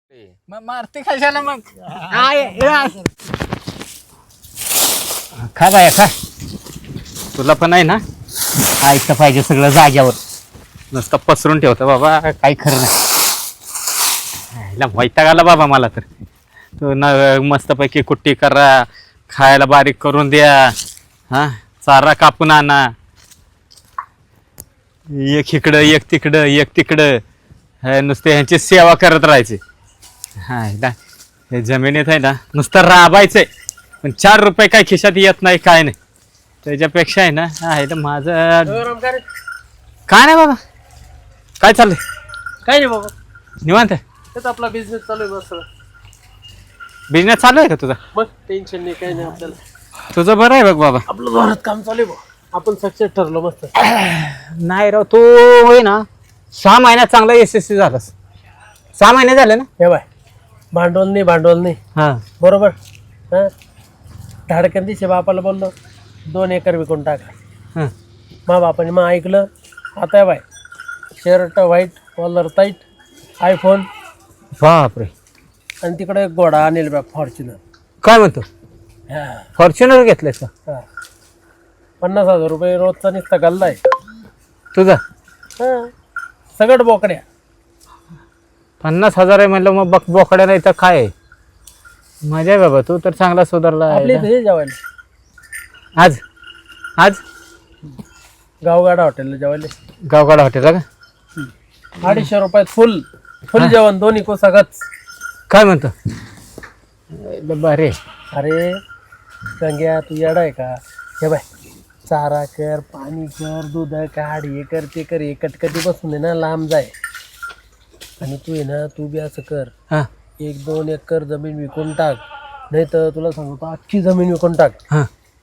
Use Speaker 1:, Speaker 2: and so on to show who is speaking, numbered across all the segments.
Speaker 1: मग मारते कशाला मग खा बाया खा. तुला पण आहे ना ऐकतं पाहिजे सगळं जाग्यावर, नुसतं पसरून ठेवतं बाबा, काही खरं नाही. वैताग आला बाबा मला तर. तू न मस्तपैकी कुट्टी करा, खायला बारीक करून द्या, हा चारा कापून आणा, एक इकडं एक तिकडं एक तिकडं, नुसते ह्यांची सेवा करत राहायची. हा हे जमिनीत आहे ना नुसतं राबायचंय, पण 4 रुपये काय खिशात येत नाही, काय नाही. त्याच्यापेक्षा आहे ना आहे तर माझं काय नाही बाबा. काय चाललंय?
Speaker 2: काय नाही बाबा,
Speaker 1: निवांत आहे?
Speaker 2: तेच आपला बिझनेस चालू आहे मस्त.
Speaker 1: बिझनेस चालू आहे का तुझा?
Speaker 2: मग टेन्शन नाही, काही नाही आपल्याला.
Speaker 1: तुझं बरं आहे बघ बाबा.
Speaker 2: आपलं जोरात काम चालू आहे बाबा, आपण सक्सेस ठरलो मस्त.
Speaker 1: नाही राव, तू होय ना 6 महिन्यात चांगला यशस्वी झालास. 6 महिने झाले ना?
Speaker 2: हे बाय, भांडवल नाही
Speaker 1: हा
Speaker 2: बरोबर. हा, धाडकन दिसे बापाला बोललो 2 एकर विकून टाका.
Speaker 1: हा.
Speaker 2: मा बापाने मग ऐकलं. आता bye, shirt white, collar tight, iPhone,
Speaker 1: बापरे.
Speaker 2: आणि तिकडे एक घोडा आणेल बा फॉर्च्युनर.
Speaker 1: काय म्हणतो?
Speaker 2: हा,
Speaker 1: फॉर्च्युनर घेतलंयस का?
Speaker 2: 50,000 रुपये रोजचा नुसता गल्ला आहे
Speaker 1: तुझा?
Speaker 2: हा, सगळं बोकड्या.
Speaker 1: 50,000 आहे म्हणलं, मग बोकड्या नाही तर काय आहे? मजा आहे बाबा, तू तर चांगला सुधारला
Speaker 2: आपले
Speaker 1: आहे.
Speaker 2: इथे जेवायला
Speaker 1: आज आज
Speaker 2: गावगाडा हॉटेलला जेवायला
Speaker 1: गावगाडा हॉटेलला का?
Speaker 2: 250 रुपयात फुल जेवण, दोन्ही कोसागच.
Speaker 1: काय म्हणतो? बरे.
Speaker 2: अरे गंग्या, तू येडा आहे का? हे बाय, चारा कर, पाणी कर, दूध काढ, हे कर ते कर, हे कटकटी बसून आहे ना लांब जाय. आणि तू आहे ना, तू बी असं कर,
Speaker 1: हा
Speaker 2: 1-2 एकर जमीन विकून टाक, नाही तर तुला सांगतो अख्खी जमीन विकून टाक.
Speaker 1: हा.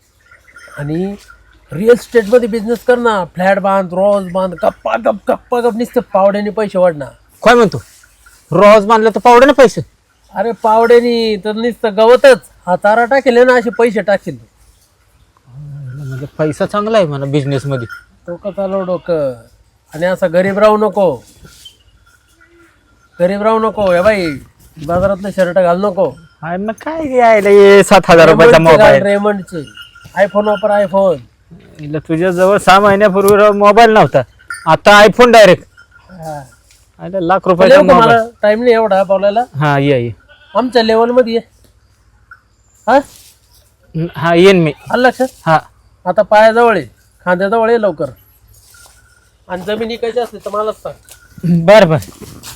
Speaker 2: आणि रिअल इस्टेटमध्ये बिझनेस कर ना, फ्लॅट बांध, रोज बांध, गप्पा गप नुसतं पावड्याने पैसे वाढणार.
Speaker 1: काय म्हणतो? रोज बांधलं तर पावडे ना पैसे?
Speaker 2: अरे पावड्यानी तर नुसतं गवतच, हा तारा टाकेल ना, असे पैसे टाकेल.
Speaker 1: म्हणजे पैसा चांगला आहे म्हणा बिझनेस मध्ये.
Speaker 2: डोकं चालव डोकं. आणि असं गरीब राहू नको, हे बाई, बाजारातलं शर्ट घाल नको.
Speaker 1: अरे मग काय यायला 7,000 रुपयाचा मोबाईल?
Speaker 2: रेमंडचे आयफोन वापर, आयफोन.
Speaker 1: तुझ्या जवळ 6 महिन्यापूर्वी मोबाईल नव्हता, आता आयफोन डायरेक्ट. लाख रुपयाचा
Speaker 2: मला
Speaker 1: मोबाईल.
Speaker 2: टाइम नाही एवढा बोलायला.
Speaker 1: हा ये
Speaker 2: आमच्या लेवल मध्ये हा
Speaker 1: हा येईन मी.
Speaker 2: आलं लक्षात?
Speaker 1: हा
Speaker 2: आता पायाजवळ आहे, खांद्याजवळ आहे लवकर. आणि जमीन इकायची असली तर मलाच सांग.
Speaker 1: बर बर.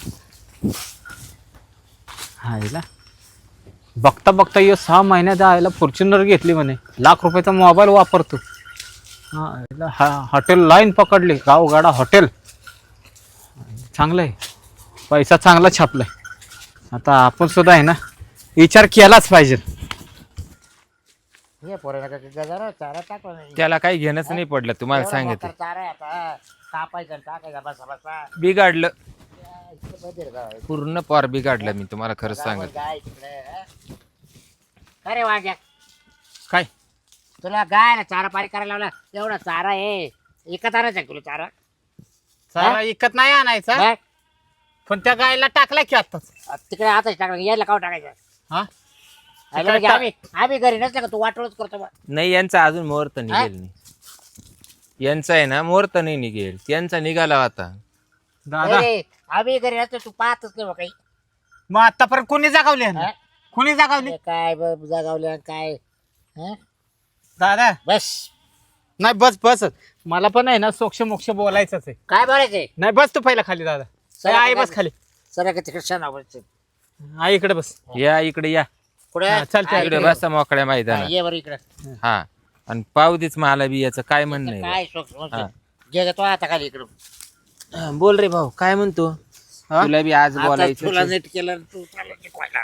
Speaker 1: हा बघता बघता 6 महिन्यात आयला फॉर्च्युनर घेतली म्हणे, लाख रुपयाचा मोबाईल वापरतो. हा हॉटेल लाईन पकडली, गावगाडा हॉटेल. चांगलं आहे, पैसा चांगला छापलाय. आता आपण सुद्धा आहे ना विचार केलाच पाहिजे.
Speaker 3: त्याला काही घेणंच नाही पडलं, तुम्हाला सांगितलं. बिघाडलं पूर्ण, पार बिघाडलं मी तुम्हाला खरं सांगत.
Speaker 4: अरे वाग्या,
Speaker 1: काय
Speaker 4: तुला गायला चारा पाणी करायला लावला, एवढा चारा आहे, एकच आणायचा तुला चारा?
Speaker 1: चारा इकत नाही आणायचा,
Speaker 4: बघ,
Speaker 1: पण त्या गायला टाकला की आताच.
Speaker 4: तिकडे आताच टाकला, यायला काव टाकायचं?
Speaker 1: हा
Speaker 4: आयला म्हणजे आम्ही घरी नसलं का तू वाटोळच करतो बा.
Speaker 3: नाही, यांचा अजून मुहूर्त निघेल नाही. यांचा आहे ना मुहूर्त नाही निघेल, त्यांचा निघाला आता.
Speaker 1: दादा
Speaker 4: अरे, आम्ही घरी नसलो, तू पाहतच नाही बा काही.
Speaker 1: मग आतापर्यंत कोणी जागावली आहे ना?
Speaker 4: हा?
Speaker 1: कोणी जागावली?
Speaker 4: काय जागावल्या काय? हं?
Speaker 1: दादा
Speaker 4: बस,
Speaker 1: नाही बस बस, मला पण आहे ना सोक्ष मोक्ष बोलायचंच आहे.
Speaker 4: काय बोलायचंय?
Speaker 1: नाही बस तू पहिला खाली. दादा आई बस खाली.
Speaker 4: सर का तिकडे क्षण आवडते.
Speaker 1: आई इकडे बस.
Speaker 3: या इकडे या,
Speaker 4: पुढे
Speaker 1: हा, चल, चल.
Speaker 3: इकडे बसा मोकळ्या मैदानात.
Speaker 4: ये बरं इकडे.
Speaker 3: हा, आणि पाव देच मला बी याचं काय म्हणणं आहे.
Speaker 4: काय शोक
Speaker 3: हा.
Speaker 4: घे तो आता खाली इकडं.
Speaker 3: बोल रे भाऊ, काय म्हणतो? तुला बी आज
Speaker 4: आता तुला
Speaker 3: बोलायचं.
Speaker 4: नीट केलं, तू चालला शिकवायला.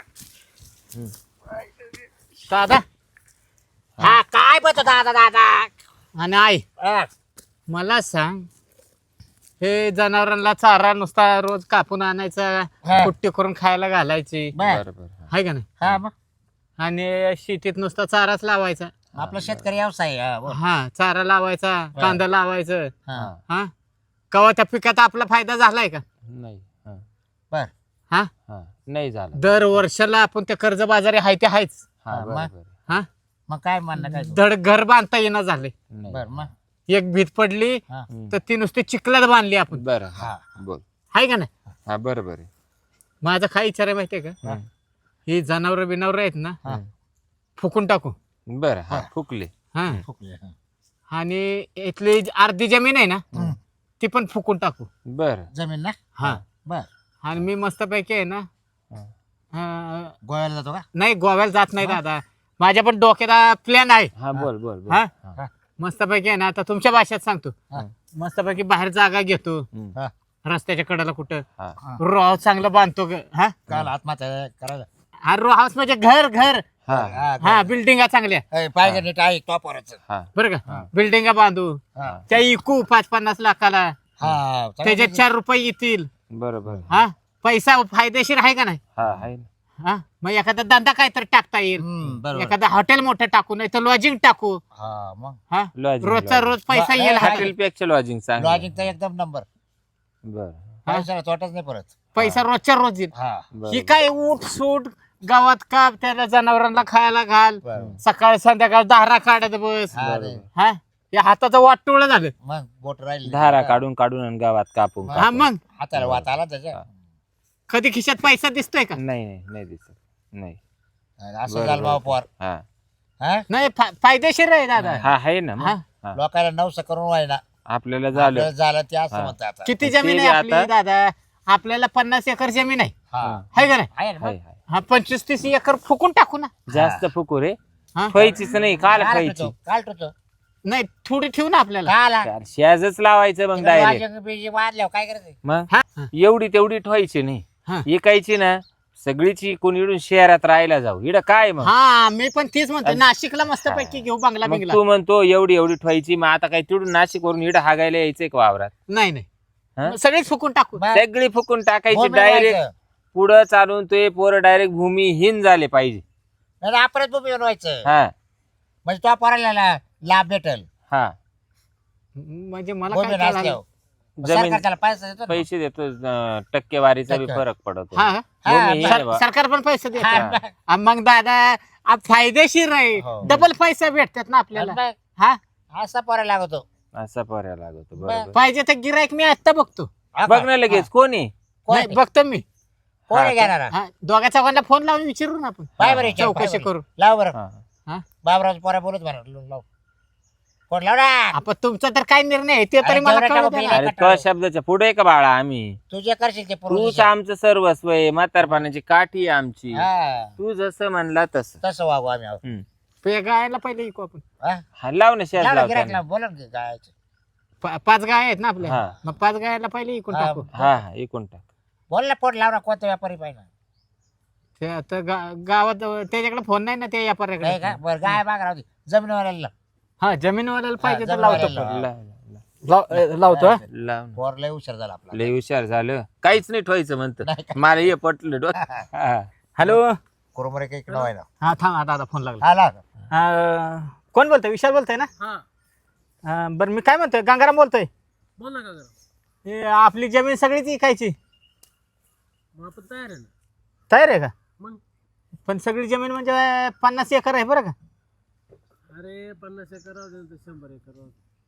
Speaker 1: दादा
Speaker 4: हा, काय बोलतो दादा?
Speaker 1: आणि आई
Speaker 4: हा,
Speaker 1: मला सांग, हे जनावरांना चारा नुसता रोज कापून आणायचा,
Speaker 4: हा.
Speaker 1: कुट्टी करून खायला घालायची,
Speaker 4: बर.
Speaker 3: बरोबर.
Speaker 1: आहे का नाही?
Speaker 4: हा, मग
Speaker 1: आणि शेतीत नुसता चाराच लावायचा.
Speaker 4: आपला शेतकरी व्यवसाय आहे. हा, बोल.
Speaker 1: हा चारा लावायचा, कांदा लावायचं.
Speaker 4: हा,
Speaker 1: हा कवा त्या पिकात आपला फायदा झालाय का?
Speaker 3: नाही. हा.
Speaker 4: बर.
Speaker 1: हा
Speaker 3: हा. नाही झालं.
Speaker 1: दर वर्षाला आपण त्या कर्ज बाजारी हाय ते हायच.
Speaker 3: हा
Speaker 4: मग?
Speaker 3: बरोबर.
Speaker 1: हा
Speaker 4: मग काय म्हणणं काय
Speaker 1: धड घर बांधता येणं झाले.
Speaker 3: नाही.
Speaker 4: बर मग
Speaker 1: एक भीत पडली
Speaker 3: हम्म.
Speaker 1: तर ती नुसती चिखलात बांधली आपण.
Speaker 3: बरं
Speaker 4: हा.
Speaker 3: हा बोल.
Speaker 1: हाय का नाही?
Speaker 3: हा बरोबर आहे.
Speaker 1: माझा काय विचार आहे माहितीये का?
Speaker 3: हम्म.
Speaker 1: ही जनावर बिनावर आहेत ना
Speaker 3: हम्म.
Speaker 1: फुकून टाकू.
Speaker 3: बरं हा फुकले.
Speaker 1: हा
Speaker 4: फुकले हा.
Speaker 1: आणि इथली अर्धी जमीन आहे ना ती पण फुकून टाकू.
Speaker 3: बरं
Speaker 4: जमीन ना
Speaker 1: हा
Speaker 4: बर
Speaker 1: आणि मी मस्तपैकी आहे ना
Speaker 3: हा.
Speaker 4: गोव्याला जातो का
Speaker 1: नाही गोव्याला जात नाही दादा. माझ्या पण डोक्यात प्लॅन आहे.
Speaker 3: हा बोल बोल बोल.
Speaker 1: हा
Speaker 3: हा.
Speaker 1: मस्तपैकी आहे ना आता तुमच्या भाषेत सांगतो.
Speaker 4: हा.
Speaker 1: मस्तपैकी बाहेर जागा घेतो
Speaker 3: हम्म.
Speaker 4: हा.
Speaker 1: रस्त्याच्या कडेला कुठं
Speaker 3: हा.
Speaker 1: रो हाऊस चांगलं बांधतो हा
Speaker 4: काल आत्महत्या करायला
Speaker 1: हा रो हाऊस म्हणजे घर घर
Speaker 3: हा.
Speaker 1: हा बिल्डिंगा चांगल्या
Speaker 4: पाहिजे नीट आहे टॉपरच
Speaker 3: हा.
Speaker 1: बरं का बिल्डिंगा बांधू
Speaker 4: हा
Speaker 1: त्या इकू 5-50 लाखाला
Speaker 4: हा
Speaker 1: त्याच्यात 4 रुपये येतील.
Speaker 3: बरोबर.
Speaker 1: हा पैसा फायदेशीर आहे का नाही?
Speaker 3: हा आहे ना.
Speaker 1: हा मग एखादा धंदा काहीतरी टाकता येईल.
Speaker 4: बरोबर
Speaker 1: एखादा हॉटेल मोठं टाकू नाही तर लॉजिंग टाकू.
Speaker 4: हा मग
Speaker 1: हा
Speaker 3: Lodging,
Speaker 1: रोजचा
Speaker 3: lodging.
Speaker 1: रोज पैसा येईल हातात.
Speaker 3: हॉटेल पेक्षा लॉजिंग चांगलं.
Speaker 4: लॉजिंगचा एकदम नंबर
Speaker 3: बरं.
Speaker 4: पैशाला तोटाच नाही परत
Speaker 1: पैसा रोजच्या रोज येईल.
Speaker 4: हा
Speaker 3: बरं.
Speaker 1: ही काय ऊट सूट गावात का त्याला जनावरांना खायला घाल
Speaker 4: बरोबर.
Speaker 1: सकाळ संध्याकाळ दारा काढत बस.
Speaker 4: हा रे.
Speaker 1: हा या हाताचं वाटोळ झालं.
Speaker 4: मग बोट राहिली
Speaker 3: धारा काढून काढून आणि गावात कापून
Speaker 1: हा
Speaker 3: कापून.
Speaker 1: मग
Speaker 4: हाताला वात आला त्याच्या
Speaker 1: कधी खिशात पैसा दिसतोय का?
Speaker 3: नाही नाही नाही दिसत नाही.
Speaker 4: असं
Speaker 3: बरोबर.
Speaker 4: झालं भाऊ पोर
Speaker 3: हा
Speaker 4: हा
Speaker 1: नाही फायदेशीर आहे दादा.
Speaker 3: हा आहे ना मग.
Speaker 1: हा.
Speaker 3: हा.
Speaker 4: लोकांना नवस करून व्हायला
Speaker 3: आपल्याला झालं.
Speaker 4: झालं ते असं
Speaker 3: हा.
Speaker 4: म्हणतात आता
Speaker 1: किती
Speaker 3: ते
Speaker 1: जमीन
Speaker 3: बी
Speaker 1: आहे आपली
Speaker 3: आता-
Speaker 1: दादा? आपल्याला 50 एकर जमीन आहे.
Speaker 4: हा
Speaker 1: आहे का नाही?
Speaker 4: आहे ना
Speaker 3: हाय
Speaker 4: मग?
Speaker 3: हाय.
Speaker 1: हा 25-30 एकर फुकून टाकू ना.
Speaker 3: जास्त फुकू रे.
Speaker 1: हा?
Speaker 3: ठेवायचीच नाही. काल
Speaker 4: काल
Speaker 3: खायची.
Speaker 4: ठेवतो, काल ठेवतो.
Speaker 1: नाही थोडी ठेवू ना आपल्याला.
Speaker 4: काल
Speaker 3: शेजच लावायचं मग
Speaker 4: तिकडे
Speaker 3: डायरेक्ट.
Speaker 4: वाजंग बिजंग वाजल्यावर काय करायचं
Speaker 3: मग
Speaker 1: हा
Speaker 3: एवढी तेवढी ठेवायची
Speaker 1: हा.
Speaker 3: नाही. इकायची ना सगळीची कोणी इडून शहरात राहायला जाऊ. इड काय मग
Speaker 1: हा मी पण तेच म्हणतो नाशिकला मस्त पैकी घेऊ बंगला
Speaker 3: मग
Speaker 1: बिंगला.
Speaker 3: तू म्हणतो एवढी एवढी ठेवायची. मग आता काय तिडून नाशिक वरून इड हागायला यायचंय का वावरात?
Speaker 1: नाही नाही
Speaker 3: हा?
Speaker 1: मग सगळेच फुकून टाकू.
Speaker 4: मग
Speaker 3: सगळी फुकून टाकायची
Speaker 4: भूमी
Speaker 3: डायरेक्ट.
Speaker 4: व्हायचं.
Speaker 3: पुढं चालून ते पोरं डायरेक्ट भूमिहीन झाले पाहिजे.
Speaker 4: नाही आपणच भूमी बनवायचं
Speaker 3: हा
Speaker 4: म्हणजे तो पोराला लाभ भेटल
Speaker 3: हा.
Speaker 1: म्हणजे मला
Speaker 4: भूमी
Speaker 1: काय कळालं?
Speaker 4: नसल्यावर
Speaker 3: जमीन
Speaker 4: सरकार त्याला पैसा देतो ना.
Speaker 3: पैसे देतो. टक्केवारीचा बी
Speaker 4: टक्के.
Speaker 3: फरक पडतो.
Speaker 4: हा,
Speaker 3: भूमिहीन
Speaker 1: सर-
Speaker 3: आहे बा.
Speaker 1: सरकार पण पैसे देत.
Speaker 4: हा,
Speaker 1: मग दादा फायदेशीर आहे.
Speaker 4: हो.
Speaker 1: डबल पैसे भेटतात ना आपल्याला.
Speaker 4: मग
Speaker 1: हा
Speaker 4: असा पोराला लागतो
Speaker 3: असा पर्याय लागतो. बरोबर.
Speaker 1: पाहिजे तर गिरायक मी आता बघतो.
Speaker 4: हा
Speaker 3: बघ
Speaker 4: का?
Speaker 3: ना लगेच कोणी.
Speaker 4: कोण
Speaker 1: नाही, बघतो मी.
Speaker 4: कोण आहे घेणार
Speaker 1: हा दोघा चौघांना फोन लावून विचारू ना आपण.
Speaker 4: पाय बरं विचार, पाय
Speaker 1: चौकशी
Speaker 4: बरं.
Speaker 1: करू.
Speaker 4: लाव बरं
Speaker 3: हा.
Speaker 1: हा
Speaker 4: बाबराज पोरा बोलत बरं लाव कोण लाव ना
Speaker 1: आपण तुमचा तर काय निर्णय आहे ते तरी
Speaker 4: अरे
Speaker 1: मला
Speaker 4: तेवढं
Speaker 1: कळू
Speaker 4: टाकू
Speaker 1: द्या ना.
Speaker 4: बिल.
Speaker 3: अरे तो शब्दाच्या पुढे का बाळा आम्ही?
Speaker 4: तू जे करशील ते
Speaker 3: तूच
Speaker 4: पुरुष
Speaker 3: आमचं सर्वस्व आहे. म्हातारपणाची काठी आहे आमची.
Speaker 4: हा
Speaker 3: तू जसं म्हणला तसं.
Speaker 4: तसं वागू आम्ही आहोत.
Speaker 3: हम्म.
Speaker 1: पे गायला पहिले ऐकू आपण.
Speaker 4: हा?
Speaker 3: हा, लाव ना शेज
Speaker 4: लाव ना,
Speaker 3: लाव
Speaker 4: गिऱ्हाईक
Speaker 3: त्यांना.
Speaker 4: लाव, बोला ना काय
Speaker 1: 5 गाय आहेत ना आपल्या.
Speaker 3: हा.
Speaker 1: मग 5 गायला पहिले ऐकून
Speaker 4: हा.
Speaker 1: टाकू.
Speaker 3: हा हा एकूण टाक.
Speaker 4: बोल ना फोन लाव ना कोणता व्यापारी पाहिजे
Speaker 1: ते आता गावात त्याच्याकडे फोन नाही ना त्या
Speaker 4: नाही
Speaker 1: व्यापाऱ्याकडे.
Speaker 4: का बरं गाय बाग राहू दे जमिनीवाल्याला
Speaker 1: हा जमीनवाल्याला पाहिजे तर
Speaker 4: हा,
Speaker 1: लावतो.
Speaker 4: जमीनवाल्याला.
Speaker 1: लावतो हा?
Speaker 3: लाव ना.
Speaker 4: पोर लय हुशार झाला आपला
Speaker 3: लय हुशार झालं. काहीच नाही ठेवायचं म्हणतं.
Speaker 4: नाही का?
Speaker 3: मला हे पटलं डोक्यात. हा.
Speaker 1: हॅलो.
Speaker 4: कुरमुरे काही नाव आहे ना
Speaker 1: हा थांब आता आता फोन लागला.
Speaker 4: हा लाव
Speaker 1: कोण बोलतोय? विशाल बोलतोय ना? बरं मी काय म्हणतोय गंगाराम बोलतोय.
Speaker 2: बोल ना का
Speaker 1: हे आपली जमीन सगळीच विकायची.
Speaker 2: मग आपण तयार आहे ना
Speaker 1: तयार आहे का?
Speaker 2: मग
Speaker 1: पण सगळी जमीन म्हणजे 50 एकर आहे बरं का?
Speaker 2: अरे 50 एकर राहू दे ना, 100 एकर राहू दे.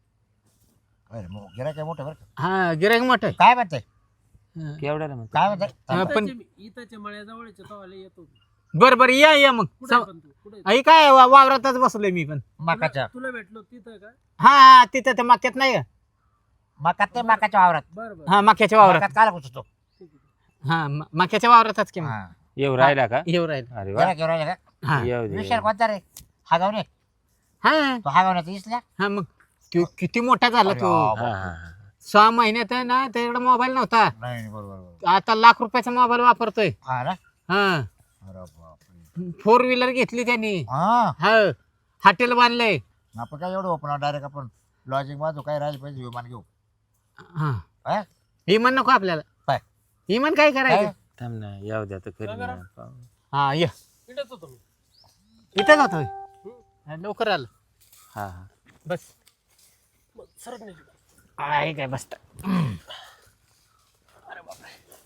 Speaker 4: अरे मग गिऱ्हाईक काय मोठं बरं का?
Speaker 1: हा गिरायक मोठं आहे.
Speaker 4: काय म्हणते
Speaker 3: केवढ्याला म्हणतो?
Speaker 4: काय म्हणते
Speaker 2: इथंच्या मळ्याजवळचे तवाला येतो.
Speaker 1: बरं बरं या मग.
Speaker 2: कुठे आहे पण तू कुठे आहे?
Speaker 1: आई काय वावरातच बसलोय मी पण.
Speaker 4: मकाच्या
Speaker 2: तुला भेटलो तिथं का?
Speaker 1: हा तिथं ते मक्यात नाही का?
Speaker 4: मकात ते मकाच्या वावरात
Speaker 2: बरं बरं
Speaker 1: हा मक्याच्या वावरात.
Speaker 4: मकात काला घुसतो
Speaker 2: ठीक आहे.
Speaker 1: हा मक्याच्या वावरातच की
Speaker 4: हा
Speaker 3: येऊ राहिला का?
Speaker 1: येऊ राहील.
Speaker 3: अरे वा.
Speaker 4: गिऱ्हाईक येऊ राहिलं का
Speaker 1: हा
Speaker 3: येऊ दे.
Speaker 4: विशाल कोणता रे हागावणे
Speaker 1: हा
Speaker 4: तो हागावण्याचा इसला
Speaker 1: हा मग तो किती मोठा झाला तो.
Speaker 3: हा, हा, हा.
Speaker 1: 6 महिन्यात आहे ना त्याच्याकडे मोबाईल नव्हता.
Speaker 4: नाही बरोबर
Speaker 1: आता लाख रुपयाचा मोबाईल वापरतोय.
Speaker 4: हा ना
Speaker 1: हा
Speaker 4: अरे बापरे
Speaker 1: 4 व्हीलर घेतली त्यांनी.
Speaker 4: हा
Speaker 1: हा हॉटेल बांधलंय.
Speaker 4: आपण काय एवढं ओपन डायरेक्ट आपण लॉजिंग बाजू काय राहिले पाहिजे विमान घेऊ
Speaker 1: हा
Speaker 4: हा?
Speaker 1: इमान नको आपल्याला.
Speaker 4: काय?
Speaker 1: इमान काय करायचं?
Speaker 4: काय?
Speaker 3: थांब ना येऊ द्या तर खरी ना.
Speaker 1: हा ये
Speaker 2: इथंच होतो मी.
Speaker 1: इथं जातोय. लवकर आलं
Speaker 3: हा हा.
Speaker 1: बस.
Speaker 2: मग सरक नाही.
Speaker 1: आहे काय बसता.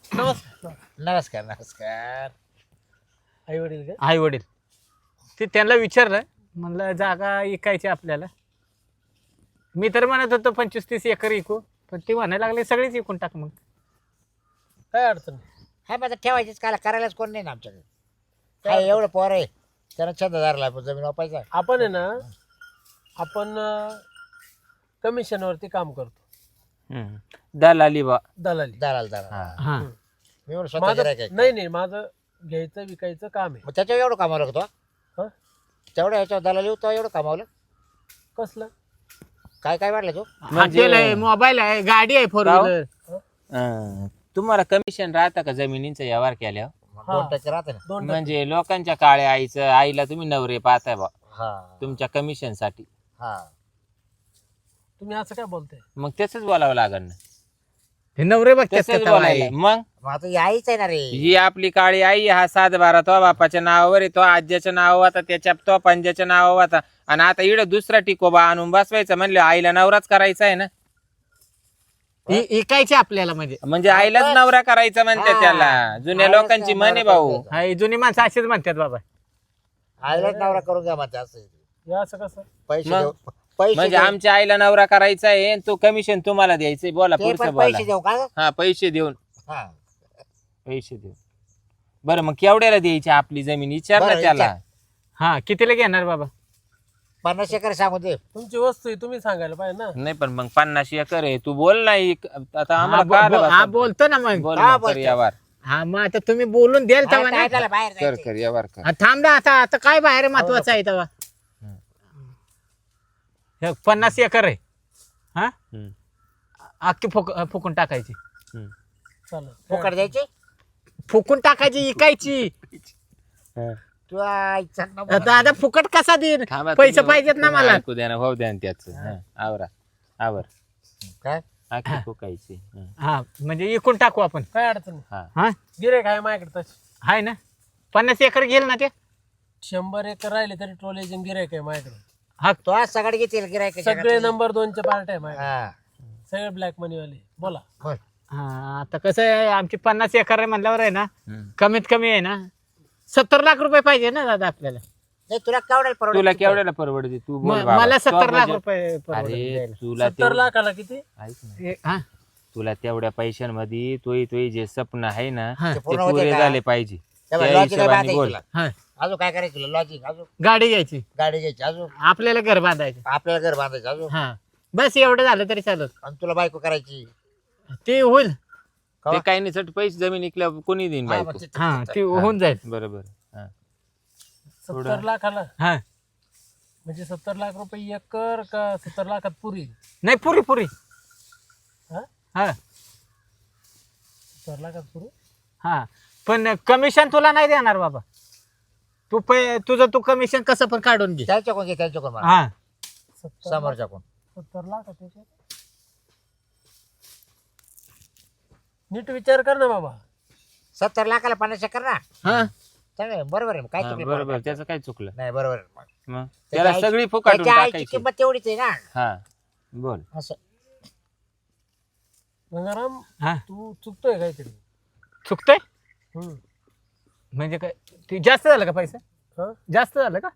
Speaker 2: नमस्कार.
Speaker 4: नमस्कार नमस्कार.
Speaker 2: आई वडील का?
Speaker 1: आई वडील ते त्यांना विचारलं म्हणलं जागा विकायची आपल्याला. मी तर म्हणत होतो 25-30 एकर विकू, पण ते म्हणायला लागले सगळीच विकून टाक मग.
Speaker 2: काय अडचण नाही.
Speaker 4: हा माझं ठेवायचीच काला करायलाच कोण नाही ना आमच्याकडे. काय एवढं पोर आहे त्याला छंद धरला जमीन वापायचा.
Speaker 2: आपण आहे ना आपण कमिशनवरती काम करतो.
Speaker 3: दलाली बा.
Speaker 2: दलाली.
Speaker 4: दलाल दलाल.
Speaker 3: हा.
Speaker 1: हा
Speaker 4: मी म्हणून स्वतः
Speaker 2: माझं
Speaker 4: गिऱ्हाईक आहे.
Speaker 2: नाही माझं घ्यायचं विकायचं काम आहे.
Speaker 4: मग त्याच्यावर एवढं कमावलं का तो?
Speaker 2: हं?
Speaker 4: तेवढं याच्यावर दलाली तो एवढं कमावलं.
Speaker 2: कसलं?
Speaker 4: काय काय वाढलं तू?
Speaker 1: हॉटेल आहे, मोबाईल आहे, गाडी आहे, 4 व्हीलर.
Speaker 3: तुम्हाला कमिशन राहतं का जमिनींचा व्यवहार केल्यावर?
Speaker 4: 2% राहते ना.
Speaker 2: 2%.
Speaker 3: म्हणजे लोकांच्या काळ्या आईचं आईला तुम्ही नवरे पाहताय बा
Speaker 4: हा
Speaker 3: तुमच्या कमिशन साठी.
Speaker 4: हा.
Speaker 2: तुम्ही असं काय बोलताय?
Speaker 3: मग त्याच बोलावं लागल ना.
Speaker 1: हे नवरे बघतात
Speaker 3: तसंच
Speaker 1: का तवायला?
Speaker 3: बोलायला मग
Speaker 4: मग आता यायच आहे ना रे.
Speaker 3: ही आपली काळी आई हा 7-12 तो बापाच्या नावावर आहे, तो आज्याच्या नावावर होता, त्याच्या तो पंजाच्या नावावर होता, आणि आता इकडं दुसरा टिकोबा आणून बसवायचा म्हणलं आईला नवराच करायचा आहे ना.
Speaker 1: विकायचे आपल्याला म्हणजे
Speaker 3: आईलाच नवरा करायचा म्हणते
Speaker 4: हा.
Speaker 3: त्याला. जुन्या
Speaker 4: आईलाच
Speaker 3: लोकांची
Speaker 4: नवरा
Speaker 3: म्हणे भाऊ.
Speaker 4: करायचा.
Speaker 1: हा, ही जुनी माणसं अशीच म्हणतात बाबा.
Speaker 4: आईलाच नवरा करून घ्या म्हणते असं.
Speaker 2: हे असं कसं?
Speaker 4: पैसे
Speaker 3: मग?
Speaker 4: देऊ. पैसे
Speaker 3: म्हणजे
Speaker 4: देऊ.
Speaker 3: आमच्या आईला नवरा करायचा आहे आणि तो कमिशन तुम्हाला द्यायचंय. बोला
Speaker 4: ते
Speaker 3: पुढचं
Speaker 4: पण
Speaker 3: बोला.
Speaker 4: पैसे देऊ का?
Speaker 3: हा पैसे देऊन.
Speaker 4: हा.
Speaker 3: पैसे देऊन. बरं मग केवढ्याला द्यायची आपली जमीन विचार ना
Speaker 4: बरं,
Speaker 3: त्याला.
Speaker 4: विचार.
Speaker 1: हा कितीला घेणार बाबा?
Speaker 4: 50 एकर सांगू दे.
Speaker 2: तुमची वस्तू आहे, तुम्ही सांगायला पाहिजे ना.
Speaker 3: नाही पण मग 50 एकर आहे. तू बोल ना आता
Speaker 1: हा,
Speaker 3: आम्हाला कळालं
Speaker 1: हा
Speaker 3: बा.
Speaker 1: बोलतो ना मग.
Speaker 3: बोल
Speaker 4: का
Speaker 3: मग, कर
Speaker 4: बोलतो?
Speaker 3: यावर.
Speaker 1: हा मग आता तुम्ही बोलून द्याल
Speaker 4: हा,
Speaker 1: तेव्हा ना.
Speaker 4: काय झालं बाहेर
Speaker 3: कर
Speaker 4: जायचंय.
Speaker 3: कर यावर कर.
Speaker 1: हा, थांब ना आता आता काय बाहेर महत्वाचं आहे तेव्हा. हे 50 एकर आहे. हा
Speaker 3: हम्म.
Speaker 1: अख्खी फुकून टाकायची.
Speaker 2: चालेल.
Speaker 4: फुकट द्यायची.
Speaker 1: फुकून टाकायची विकायची.
Speaker 4: तू आईचा नंबर.
Speaker 1: दादा फुकट कसा देईन?
Speaker 3: थांबा,
Speaker 1: पैसे
Speaker 3: तुम्ही-
Speaker 1: पाहिजेत ना
Speaker 3: तुम्ही
Speaker 1: मला.
Speaker 3: ऐकू द्या ना भाऊ द्या ना त्याच. आवरा आवर.
Speaker 4: काय
Speaker 3: आखी फुकायची.
Speaker 1: हा म्हणजे विकून टाकू आपण.
Speaker 2: काय अडचण नाही.
Speaker 3: हा.
Speaker 1: हा
Speaker 2: गिऱ्हाईक आहे माझ्याकडे तशी.
Speaker 1: आहे ना 50 एकर घेईल ना ते.
Speaker 2: 100 एकर राहिले तरी ट्रोलेजन गिऱ्हाईक आहे माझ्याकडे.
Speaker 1: हा
Speaker 4: तो आज सगळे घेतील गिरायक.
Speaker 2: सगळे नंबर 2चे पार्ट आहे माझ्याकडे.
Speaker 4: हा
Speaker 2: सगळे ब्लॅक मनी वाले. बोला.
Speaker 4: बोल.
Speaker 1: हा आता कसं आहे आमची 50 एकर आहे म्हणल्यावर आहे ना
Speaker 3: हम्म.
Speaker 1: कमीत कमी आहे ना 70 लाख रुपये पाहिजे ना दादा आपल्याला.
Speaker 4: नाही तुला केवढ्याला परवडेल?
Speaker 3: तुला केवढ्याला परवडते तू बोल बाबा.
Speaker 1: मला 70
Speaker 3: तो
Speaker 1: लाख
Speaker 3: budget-
Speaker 1: रुपये परवडेल
Speaker 3: अरे
Speaker 1: द्यायला.
Speaker 3: तुला
Speaker 2: 70 लाखाला किती?
Speaker 3: ऐक ना.
Speaker 1: हा
Speaker 3: तुला तेवढ्या पैशांमध्ये तोही जे स्वप्न आहे ना
Speaker 1: हा.
Speaker 3: ते
Speaker 4: पूर्ण होते
Speaker 3: पुरे
Speaker 4: का?
Speaker 3: झाले पाहिजे.
Speaker 4: त्या
Speaker 3: त्या
Speaker 4: लॉजिक काय
Speaker 3: हिशोबाने
Speaker 4: बांधायची
Speaker 3: बोल.
Speaker 4: तुला?
Speaker 1: हा
Speaker 4: अजून काय करायचं तुला? लॉजिक अजून
Speaker 1: गाडी घ्यायची
Speaker 4: गाडी घ्यायची अजून
Speaker 1: आपल्याला घर बांधायचं.
Speaker 4: आपल्याला घर बांधायचं अजून
Speaker 1: हा बस एवढं झालं तरी चालत.
Speaker 4: आणि तुला बायको करायची.
Speaker 1: ते होईल.
Speaker 3: ते काही नाही चट पैसे जमीन इकल्या कोणी देईन
Speaker 4: हा,
Speaker 3: बायको.
Speaker 4: मग ते-
Speaker 1: हा ते होऊन जाईल.
Speaker 3: बरोबर. हा.
Speaker 2: 70 लाखाला
Speaker 1: हा
Speaker 2: म्हणजे 70 लाख रुपये एकर का 70 लाखात पुरी?
Speaker 1: नाही पुरी पुरी.
Speaker 2: हा
Speaker 1: हा
Speaker 2: 70 लाखात पुरी.
Speaker 1: हा पण कमिशन तुला नाही देणार बाबा. तुझं तू कमिशन कसं पण काढून घे.
Speaker 4: त्यांच्याकडून घे त्यांच्याकडून मला.
Speaker 1: हा
Speaker 2: 70
Speaker 4: समोरच्याकडून.
Speaker 2: 70 लाख त्याच्यात. नीट विचार कर ना बाबा.
Speaker 4: 70 लाखाला 50 एकर ना.
Speaker 1: हा
Speaker 4: चांगलं बरोबर आहे. काय
Speaker 3: हा,
Speaker 4: चुकलं
Speaker 3: बरोबर
Speaker 4: मला?
Speaker 3: त्याचं काय चुकलं
Speaker 4: नाही बरोबर आहे.
Speaker 3: मग
Speaker 4: त्याच्या
Speaker 3: त्याला
Speaker 4: आईची-
Speaker 3: सगळी फुकाटून
Speaker 4: त्याच्या आईची
Speaker 3: टाकायची.
Speaker 4: किंमत तेवढीच आहे ना.
Speaker 3: हा बोल.
Speaker 4: असं
Speaker 2: गंगाराम
Speaker 1: हा
Speaker 2: तू चुकतोय काहीतरी.
Speaker 1: चुकतोय
Speaker 2: हम्म.
Speaker 1: म्हणजे काय ते जास्त झालं का पैसा?
Speaker 2: हा?
Speaker 1: जास्त झालं का?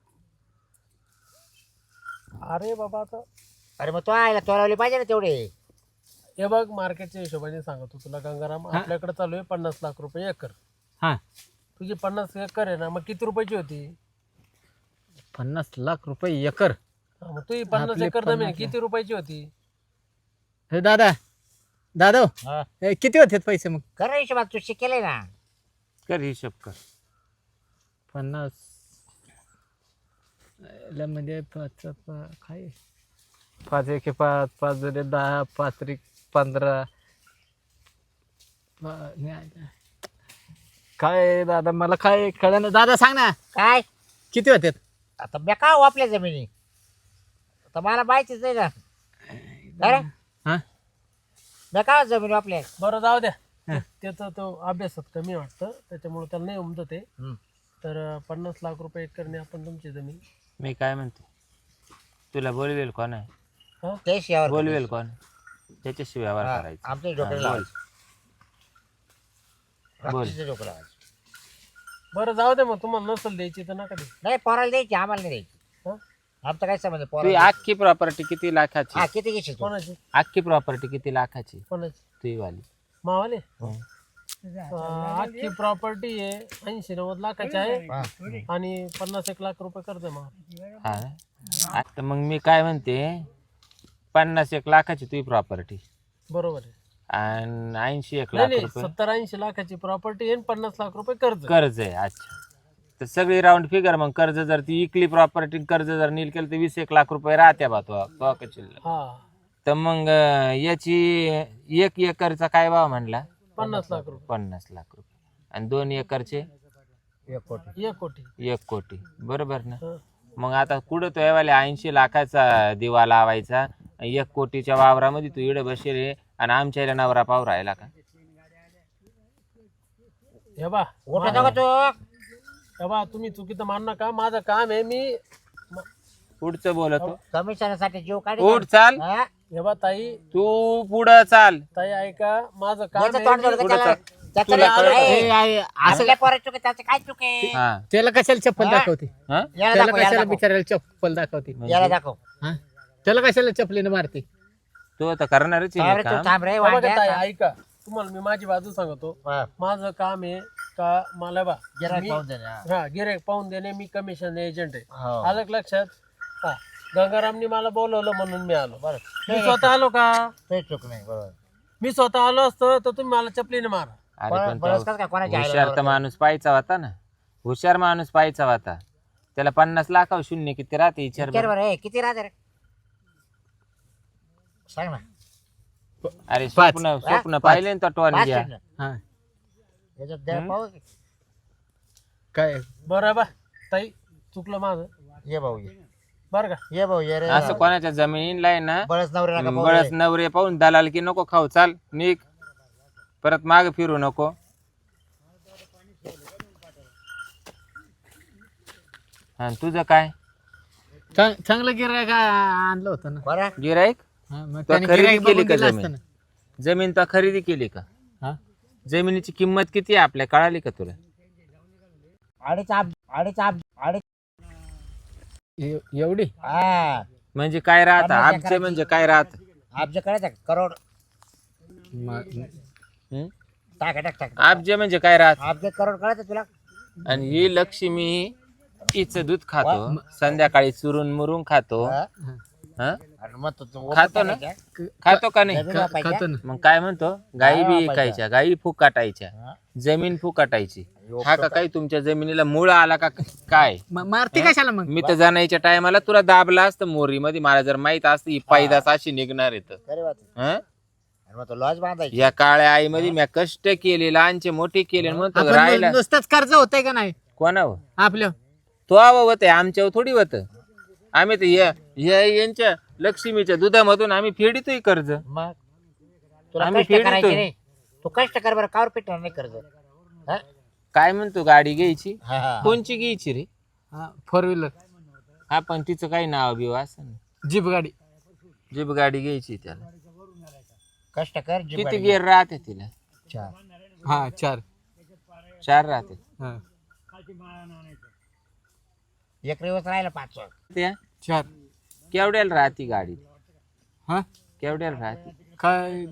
Speaker 2: अरे बाबा आता
Speaker 4: अरे मग तो आयला तोलावली पाहिजे ना तेवढे.
Speaker 2: हे बघ मार्केटच्या हिशोबाने सांगतो तुला गंगाराम.
Speaker 1: हा.
Speaker 2: आपल्याकडे चालू आहे 50 लाख रुपये एकर.
Speaker 1: हा
Speaker 2: तुझी 50 एकर आहे ना, मग किती रुपयाची होती?
Speaker 1: 50 लाख रुपये एकर.
Speaker 2: हा, मग तुझी 50
Speaker 1: आपली
Speaker 2: एकर जमीन
Speaker 1: 50
Speaker 2: किती रुपयाची होती?
Speaker 1: हे दादा दादा हो,
Speaker 4: हा.
Speaker 1: हे किती होते पैसे मग?
Speaker 4: खरं हिशोबात तू शिकेले ना.
Speaker 3: कर हिशोब कर.
Speaker 1: 50 म्हणजे काय 5 एके 5 5 झाले 10 5 त्रिक 15. काय दादा मला काय कळलं दादा सांग ना
Speaker 4: काय
Speaker 1: किती होते?
Speaker 4: आता मी का वापल्या जमिनी आता मला माहितीच आहे ना. अरे
Speaker 1: हा
Speaker 4: मी का जमीन वापल्या.
Speaker 2: बरं जाऊ द्या. त्याचा तो अभ्यासात कमी वाटतं त्याच्यामुळे त्याला नाही उमजत आहे. तर 50 लाख रुपये एकरने आपण तुमची जमीन.
Speaker 3: मी काय म्हणते तुला बोलवेल कोण आहे?
Speaker 2: हा?
Speaker 4: तेच यावर
Speaker 3: बोलवेल कोण? त्याच्याशी व्यवहार करायचा.
Speaker 4: आमच्या
Speaker 3: हा,
Speaker 4: डोक्याला
Speaker 3: बोल. बोल.
Speaker 4: तिचं डोकं लावायचं.
Speaker 2: बरं जाऊ दे, मग तुम्हाला नसल द्यायची तर नका दे.
Speaker 4: नाही पोराला द्यायची, आम्हाला नाही द्यायची.
Speaker 2: हं?
Speaker 4: आमचं काय समज
Speaker 3: तुझी
Speaker 4: पोराला.
Speaker 3: अख्खी प्रॉपर्टी किती लाखाची?
Speaker 4: हा किती घेशील तू?
Speaker 2: कोणाची
Speaker 3: अख्खी प्रॉपर्टी किती लाखाची
Speaker 2: कोणाची
Speaker 3: तुझी वाली?
Speaker 2: मावाले
Speaker 3: हं.
Speaker 2: अख्खी प्रॉपर्टी आहे 80-90 लाखाची आहे
Speaker 4: हा.
Speaker 2: आणि 50-1 लाख रुपये कर्ज आहे मावा.
Speaker 3: हा आता मग मी काय म्हणते, 50-1 लाखाची तुझी प्रॉपर्टी
Speaker 2: बरोबर आहे.
Speaker 3: आणि 80-1
Speaker 2: नाही
Speaker 3: लाख
Speaker 2: नाही,
Speaker 3: रुपये
Speaker 2: 70-80 लाखाची प्रॉपर्टी आहे 50 लाख रुपये कर्ज.
Speaker 3: कर्ज आहे. अच्छा, तर सगळी राऊंड फिगर मग कर्ज जर ती इकली प्रॉपर्टी, कर्ज जर नील केलं तर 20-1 लाख रुपये राहत्या बा तो शिल्लक.
Speaker 2: हा
Speaker 3: तर मग याची 1 एकरचा काय भाव म्हणला?
Speaker 2: 50 लाख रुपये.
Speaker 3: 50 लाख रुपये. आणि 2 एकरचे
Speaker 4: 1 कोटी.
Speaker 2: 1 कोटी.
Speaker 3: 1 कोटी. बरोबर ना?
Speaker 2: हं.
Speaker 3: मग आता कुठं तो यावाले 80 लाखाचा दिवा लावायचा 1 कोटीच्या वावरामध्ये तू इडं बसेल आहे आणि आमच्या नवरा पाव राहिला का?
Speaker 2: हे बा
Speaker 4: उठा नको तू.
Speaker 2: हे बा, तुम्ही चुकीचं मान नका. माझं काम आहे, मी
Speaker 3: पुढचं बोलतो.
Speaker 4: कमिशनसाठी जीव काढ.
Speaker 3: उठ चाल.
Speaker 2: हे बा ताई,
Speaker 3: तू पुढं चाल.
Speaker 2: ताई ऐका, माझं काम
Speaker 4: याचं
Speaker 2: आहे.
Speaker 4: तोंड जोडलं
Speaker 3: पुढं
Speaker 4: त्याला.
Speaker 3: चाल.
Speaker 4: त्याचं
Speaker 3: तुला
Speaker 4: नाही
Speaker 3: कळलं?
Speaker 4: आहे.
Speaker 1: असं
Speaker 4: आपल्या पोराची चूक आहे, त्याचं काय चूक आहे?
Speaker 3: हा
Speaker 1: त्याला कशाला चप्पल
Speaker 4: हा?
Speaker 1: दाखवते?
Speaker 3: हा?
Speaker 4: याला
Speaker 1: त्याला
Speaker 4: दाखव, याला
Speaker 1: कशाला
Speaker 4: दाखव.
Speaker 1: बिचारायला चप्पल दाखवते?
Speaker 4: याला दाखव.
Speaker 1: हा? त्याला कशाला चपलीने मारते?
Speaker 3: तू आता करणारच आहे
Speaker 4: थांब
Speaker 3: हे
Speaker 4: रे, तू
Speaker 3: काम.
Speaker 4: थांब रे
Speaker 2: हे बघा
Speaker 4: वांड्या.
Speaker 2: ताई ऐका, तुम्हाला मी माझी बाजू सांगतो.
Speaker 4: हा.
Speaker 2: माझं काम आहे का मला बा
Speaker 4: गिऱ्हाईक
Speaker 2: मी-
Speaker 4: पाहून दे ना.
Speaker 2: हा गिऱ्हाईक पाहून देणे, मी कमिशन एजंट आहे.
Speaker 4: हो.
Speaker 2: आलं का लक्षात? हा, गंगारामनी मला बोलवलं म्हणून मी आलो.
Speaker 4: बरं.
Speaker 2: मी स्वतः आलो का?
Speaker 4: काही चूक नाही. बरोबर.
Speaker 2: मी स्वतः आलो असतो तर तुम्ही मला चपलीने मारा.
Speaker 3: अरे पण
Speaker 4: बरंच
Speaker 3: तो
Speaker 4: कसं काय कोणाच्या आईला
Speaker 3: हुशार तर
Speaker 4: बरोबर.
Speaker 3: माणूस पाहायचा होता ना. हुशार माणूस पाहायचा होता. त्याला 50 लाखावर शून्य किती राहते विचार
Speaker 4: विचार
Speaker 3: बरं.
Speaker 4: बरं, हे किती राहते रे? सांग ना.
Speaker 3: अरे स्वप्न पाहिले ना तो टॉन
Speaker 4: पाच
Speaker 3: घ्या.
Speaker 4: शून्य.
Speaker 1: हा.
Speaker 4: याच्यात द्या पाहू की.
Speaker 1: काय
Speaker 2: बरं बा ताई, चुकलं माझं
Speaker 4: ये भाऊ ये.
Speaker 2: बरं का?
Speaker 4: ये भाऊ ये रे.
Speaker 3: असं कोणाच्या जमिनीला आहे ना
Speaker 4: बळच नवरे नका पाहू
Speaker 3: बळच
Speaker 4: रे.
Speaker 3: नवरे पाहून दलाल की नको खाऊ. चाल निघ, परत माग फिरू नको. हा तुझं काय
Speaker 1: चांगलं गिरायक आणलं होतं ना.
Speaker 4: बरं.
Speaker 3: गिराईक?
Speaker 1: हा, मग
Speaker 3: तो
Speaker 1: त्याने
Speaker 3: खरेदी
Speaker 1: गिऱ्हाईक
Speaker 3: केली
Speaker 1: बघून
Speaker 3: का
Speaker 1: दिलं
Speaker 3: जमीन?
Speaker 1: असतं ना.
Speaker 3: जमीन तो खरेदी केली का?
Speaker 1: हा?
Speaker 3: जमिनीची किंमत किती आहे आपल्या कळाली का तुला?
Speaker 4: अडीच
Speaker 1: एवढी
Speaker 4: हा.
Speaker 3: म्हणजे काय राहत?
Speaker 4: 50
Speaker 3: आमचे
Speaker 4: एकराची.
Speaker 3: म्हणजे काय राहत?
Speaker 4: आमच्या कळायचं का? करोड.
Speaker 3: हं?
Speaker 4: टाक टाक टाक.
Speaker 3: आमचे म्हणजे काय राहत?
Speaker 4: आमचे करोड कळायचं तुला?
Speaker 3: आणि ही लक्ष्मी हिचं दूध खातो, संध्याकाळी चुरून मुरून खातो.
Speaker 4: हा?
Speaker 3: हं?
Speaker 4: अरे मग तू
Speaker 3: खातो ना? खातो का नाही?
Speaker 4: जमीन वापायच्या?
Speaker 1: खातो ना.
Speaker 3: मग काय म्हणतो? गाई बी
Speaker 4: वापायच्या.
Speaker 3: ऐकायच्या, गाई फुकाटायच्या,
Speaker 4: हा?
Speaker 3: जमीन फुकाटायची. हा का काही तुमच्या जमिनीला मूळ आला का काय?
Speaker 1: मारते कशाला मग?
Speaker 3: मी तर जाण्याच्या टायमाला तुला दाबला असतं मोरी मध्ये. मला जर माहित असतं ही पायदास अशी निघणार येत.
Speaker 4: खरी बात आहे. आणि मग तो लॉज बांधायची.
Speaker 3: या काळ्या आई मध्ये मी कष्ट केले, लहानचे मोठे केले, म्हणतो
Speaker 1: आपण
Speaker 3: राहिला
Speaker 1: नुसतंच कर्ज होतंय का नाही
Speaker 3: कोणावर?
Speaker 1: आपलं?
Speaker 3: तो होत आमच्यावर थोडी होत. आम्ही तर यांच्या लक्ष्मीच्या दुधामधून आम्ही फेडितोय कर्ज.
Speaker 4: मग तुला
Speaker 3: आम्ही
Speaker 4: कष्ट
Speaker 3: फेडतो.
Speaker 4: करायचे नाही. तू कष्ट कर बरं, कावर पिटणार नाही कर्ज. हा?
Speaker 3: काय म्हणतो? गाडी घ्यायची?
Speaker 4: हा, हा.
Speaker 3: कोणची घ्यायची रे?
Speaker 1: फोर व्हीलर,
Speaker 3: हा पण तिचं काही नाव बिव असं ना.
Speaker 1: जीप गाडी.
Speaker 3: जीप गाडी घ्यायची त्याला.
Speaker 4: कष्ट कर जीभ
Speaker 3: किती
Speaker 4: गाडी.
Speaker 3: गेअर राहते तिला?
Speaker 4: चार.
Speaker 1: हा 4.
Speaker 3: 4 राहते.
Speaker 1: हा
Speaker 4: एक दिवस राहिला 5.
Speaker 3: त्या
Speaker 1: 4.
Speaker 3: केवढ्याला राहते गाडी?
Speaker 1: हा
Speaker 3: केवढ्याला राहते
Speaker 1: काय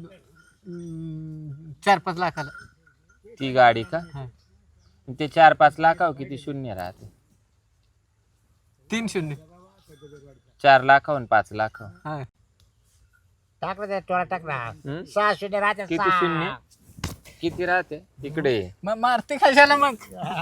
Speaker 1: 4-5 लाखाला.
Speaker 3: ती गाडी का?
Speaker 1: हा.
Speaker 3: ते 4-5 लाखावर किती शून्य राहते?
Speaker 1: 3 शून्य.
Speaker 3: 4 लाखावर 5 लाखावर
Speaker 1: हा
Speaker 4: टाकलं त्या टोळा टाक ना.
Speaker 3: हम्म?
Speaker 4: 6 शून्य राहते.
Speaker 3: किती
Speaker 4: 6.
Speaker 3: शून्य? किती राहते इकडे?
Speaker 1: मग मारते कशाला मग?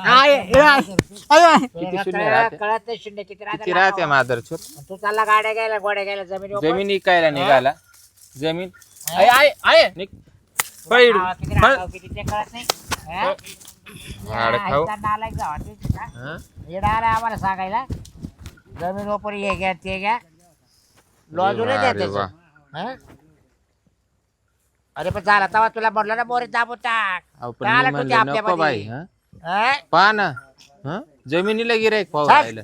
Speaker 1: आय.
Speaker 3: किती शून्य राहते?
Speaker 4: कळत नाही शून्य किती राहते.
Speaker 3: किती राहते मादरचोर?
Speaker 4: तू चालला गाड्या घ्यायला, गोड्या घ्यायला, जमीन
Speaker 3: जमीन इकायला निघाला. जमीन निघ. पळ.
Speaker 4: किती राहतो, किती ते कळत नाही. हा?
Speaker 3: झाड खाऊ.
Speaker 4: आईचा नालायक जावा, ठीक आहे का?
Speaker 3: हं?
Speaker 4: येडा आला आम्हाला सांगायला. जमीन ओपर हे घ्या ते घ्या. लॉजूला द्या
Speaker 3: अरे वा.
Speaker 4: त्याचं. हा? अरे पण झाला तवा तुला म्हटलं ना मोरी दाबून टाक.
Speaker 3: अहो, पण
Speaker 4: काला
Speaker 3: मी
Speaker 4: टुती
Speaker 3: म्हणलं नको
Speaker 4: आपल्यामध्ये.
Speaker 3: बाई. हं?
Speaker 4: हा?
Speaker 3: पहा ना. हं? जमिनीला गिराईक पाहू
Speaker 4: चाल.
Speaker 3: राहिलं.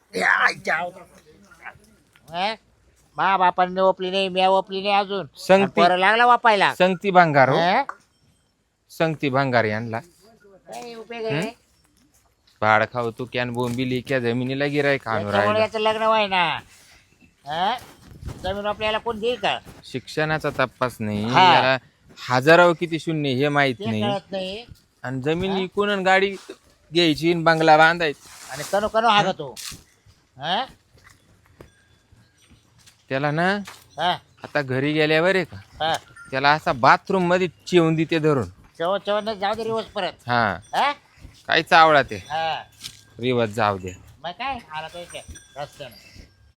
Speaker 4: हा? मा बापाने ओपली नाही, मी ओपली नाही अजून.
Speaker 3: संगती
Speaker 4: पोरं लागला वापायला.
Speaker 3: संगती भांगार हो.
Speaker 4: हा?
Speaker 3: संगती भांगार यांना
Speaker 4: काही उपयोग आहे
Speaker 3: भाड खाऊ तू कॅन बोंबिली क्या जमिनीला गिराय खाणू
Speaker 4: याच्यामुळे
Speaker 3: राहिला.
Speaker 4: याचं लग्न व्हाय ना हा? जमीन आपल्याला कोण देईल का
Speaker 3: शिक्षणाचा तपास नाही
Speaker 4: हा.
Speaker 3: याला हजारावर किती शून्य हे माहित
Speaker 4: ते
Speaker 3: नाही
Speaker 4: कळत नाही
Speaker 3: आणि जमीन विकून आणि गाडी घ्यायची आणि बंगला बांधायचा.
Speaker 4: आणि कनो कनो हा तो हा
Speaker 3: त्याला ना
Speaker 4: हा
Speaker 3: आता घरी गेल्यावर आहे का
Speaker 4: हा
Speaker 3: त्याला असा बाथरूम मध्ये चिवून देते धरून.
Speaker 4: चवण जाऊ दे रिवर्स परत
Speaker 3: हा
Speaker 4: हा
Speaker 3: काही चावळा ते
Speaker 4: हा
Speaker 3: रिवत जाऊ दे.
Speaker 4: मग काय आला तो रस्त्यानं